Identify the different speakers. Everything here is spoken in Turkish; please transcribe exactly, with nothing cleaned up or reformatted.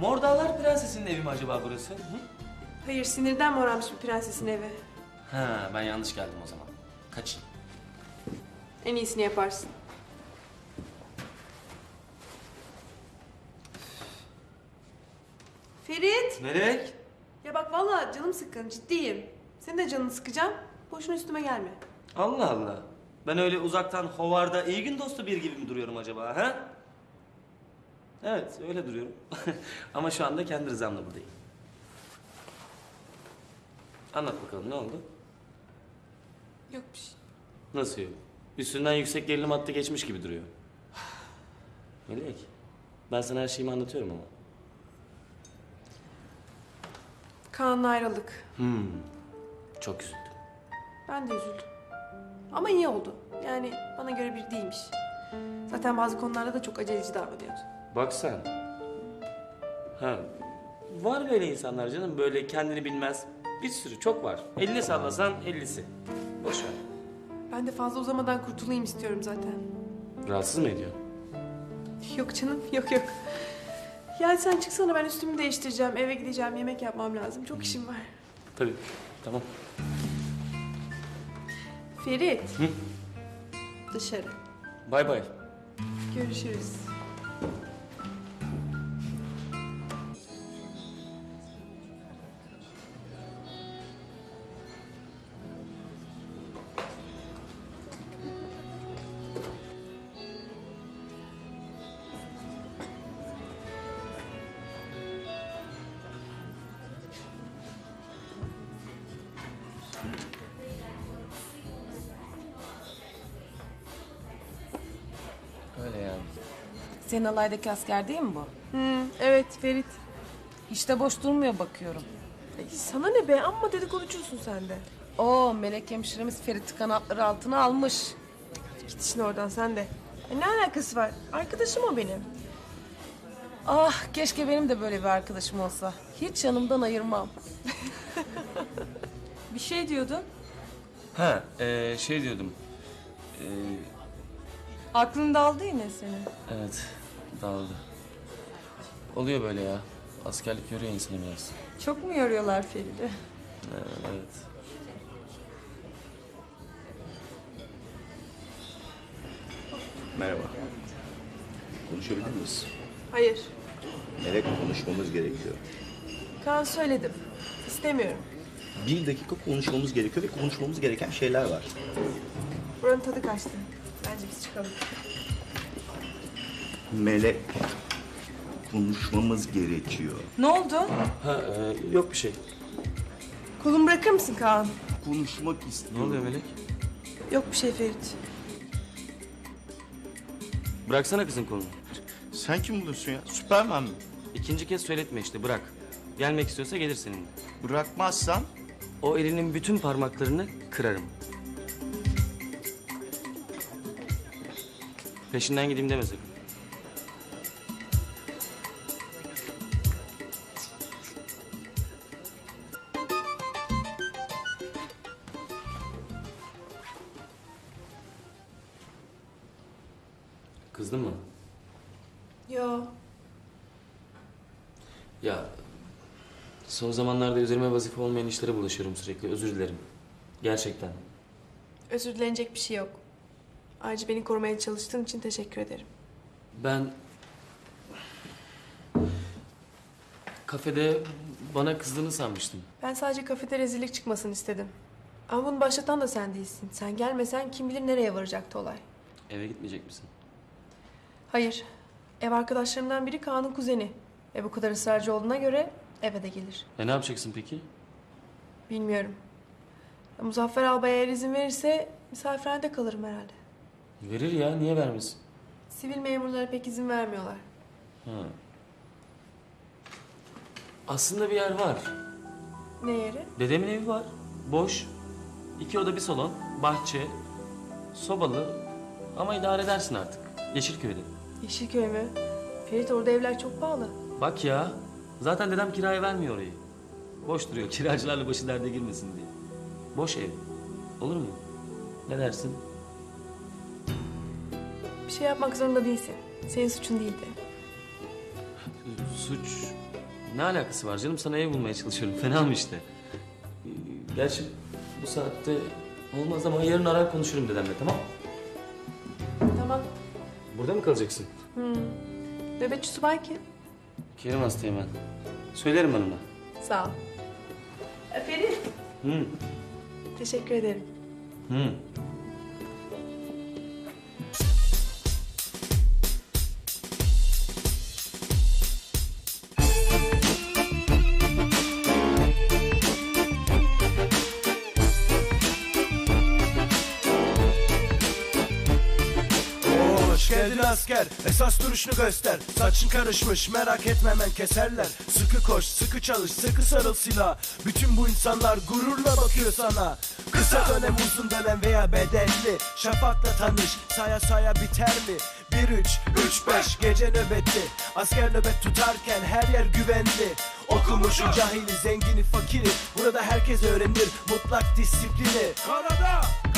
Speaker 1: Mor Dağlar Prensesi'nin evi mi acaba burası? Hı?
Speaker 2: Hayır, sinirden morarmış bir prensesin evi.
Speaker 1: Ha, ben yanlış geldim o zaman. Kaçayım.
Speaker 2: En iyisini yaparsın. Ferit!
Speaker 1: Melek!
Speaker 2: Ya bak vallahi canım sıkkın, ciddiyim. Senin de canını sıkacağım. Boşuna üstüme gelme.
Speaker 1: Allah Allah. Ben öyle uzaktan hovarda iyi gün dostu bir gibi mi duruyorum acaba ha? Evet, öyle duruyorum. Ama şu anda kendi rızamla buradayım. Anlat bakalım, ne oldu?
Speaker 2: Yok bir şey.
Speaker 1: Nasıl yok? Üstünden yüksek gerilim hattı geçmiş gibi duruyor. Melek, ben sana her şeyimi anlatıyorum ama.
Speaker 2: Kaan'la ayrıldık.
Speaker 1: Hmm, çok üzüldüm.
Speaker 2: Ben de üzüldüm. Ama iyi oldu. Yani bana göre bir değilmiş. Zaten bazı konularda da çok aceleci davranıyordu.
Speaker 1: Bak sen. Ha, var böyle insanlar canım, böyle kendini bilmez. Bir sürü, çok var. Elini sallasan ellisi. Boş ver.
Speaker 2: Ben de fazla uzamadan kurtulayım istiyorum zaten.
Speaker 1: Rahatsız mı ediyor?
Speaker 2: Yok canım, yok yok. Yani sen çıksana, ben üstümü değiştireceğim, eve gideceğim, yemek yapmam lazım. Çok işim var.
Speaker 1: Tabii, tamam.
Speaker 2: Ferit.
Speaker 1: Hı?
Speaker 2: Dışarı.
Speaker 1: Bay bay.
Speaker 2: Görüşürüz.
Speaker 1: Öyle yani.
Speaker 3: Senin alaydaki asker değil mi bu?
Speaker 2: Hı, evet Ferit.
Speaker 3: Hiç de boş durmuyor bakıyorum.
Speaker 2: Ay, sana ne be, amma dedikoducusun sen de.
Speaker 3: Oo, Melek hemşiremiz Ferit'i kanatları altına almış.
Speaker 2: Git işine oradan sen de. Ay, ne alakası var? Arkadaşım o benim.
Speaker 3: Ah, keşke benim de böyle bir arkadaşım olsa. Hiç yanımdan ayırmam.
Speaker 2: Bir şey diyordun.
Speaker 1: Ha, ee, şey diyordum. Ee,
Speaker 2: Aklın daldı yine senin.
Speaker 1: evet, dağıldı. Oluyor böyle ya. Askerlik yoruyor insanı biraz.
Speaker 2: Çok mu yoruyorlar Ferit'i?
Speaker 1: Evet, evet.
Speaker 4: Merhaba. Konuşabilir miyiz?
Speaker 2: Hayır.
Speaker 4: Melek, konuşmamız gerekiyor.
Speaker 2: Kaan, söyledim. İstemiyorum.
Speaker 4: Bir dakika konuşmamız gerekiyor ve konuşmamız gereken şeyler var.
Speaker 2: Buranın tadı kaçtı. Bence biz çıkalım.
Speaker 4: Melek, konuşmamız gerekiyor.
Speaker 2: Ne oldu?
Speaker 1: Ha, ee, yok bir şey.
Speaker 2: Kolumu bırakır mısın Kaan?
Speaker 4: Konuşmak
Speaker 1: Ne
Speaker 4: istiyorum.
Speaker 1: oluyor Melek?
Speaker 2: Yok bir şey Ferit.
Speaker 1: Bıraksana kızın kolunu.
Speaker 4: Sen kim buluyorsun ya? Süpermen mi?
Speaker 1: İkinci kez söyletme işte, bırak. Gelmek istiyorsa gelir seninle.
Speaker 4: Bırakmazsan
Speaker 1: O elinin bütün parmaklarını kırarım. Peşinden gideyim deme sakın. Kızdın mı?
Speaker 2: Yo.
Speaker 1: Ya son zamanlarda üzerime vazife olmayan işlere bulaşıyorum sürekli. Özür dilerim. Gerçekten.
Speaker 2: Özür dilenecek bir şey yok. Ayrıca beni korumaya çalıştığın için teşekkür ederim.
Speaker 1: Ben kafede bana kızdığını sanmıştım.
Speaker 2: Ben sadece kafede rezillik çıkmasını istedim. Ama bunu başlatan da sen değilsin. Sen gelmesen kim bilir nereye varacaktı olay.
Speaker 1: Eve gitmeyecek misin?
Speaker 2: Hayır. Ev arkadaşlarımdan biri Kaan'ın kuzeni. Ve bu kadar ısrarcı olduğuna göre eve de gelir.
Speaker 1: E ne yapacaksın peki?
Speaker 2: Bilmiyorum. Ya, Muzaffer Albay eğer izin verirse misafirhanede kalırım herhalde.
Speaker 1: Verir ya, niye vermesin?
Speaker 2: Sivil memurlara pek izin vermiyorlar.
Speaker 1: Ha. Aslında bir yer var.
Speaker 2: Ne yeri?
Speaker 1: Dedemin evi var. Boş. İki oda bir salon. Bahçe. Sobalı. Ama idare edersin artık. Yeşilköy'de.
Speaker 2: Yeşilköy mü? Ferit, orada evler çok pahalı.
Speaker 1: Bak ya. Zaten dedem kiraya vermiyor orayı. Boş duruyor. Kiracılarla başı derde girmesin diye. Boş ev. Olur mu? Ne dersin?
Speaker 2: Bir şey yapmak zorunda değilsin. Senin suçun değildi.
Speaker 1: Suç Ne alakası var canım? Sana ev bulmaya çalışıyorum. Fena mı işte? Ee, Gerçi bu saatte olmaz ama yarın arar konuşurum dedemle, tamam?
Speaker 2: Tamam.
Speaker 1: Burada mı kalacaksın?
Speaker 2: Nöbetçi subay kim?
Speaker 1: Kerim hastayım ben. Söylerim ben ona.
Speaker 2: Sağ ol. Ferit.
Speaker 1: Hı.
Speaker 2: Teşekkür ederim.
Speaker 1: Hı.
Speaker 5: Hoş geldin asker, esas duruşunu göster. Saçın karışmış, merak etme hemen keserler. Sıkı koş, sıkı çalış, sıkı sarıl silah. Bütün bu insanlar gururla bakıyor sana. Kısa dönem, uzun dönem veya bedelli. Şafakla tanış, saya saya biter mi? Bir üç, üç beş gece nöbetli. Asker nöbet tutarken her yer güvenli. Okumuşu, cahili, zengini, fakiri. Burada herkes öğrenir mutlak disiplini. Karada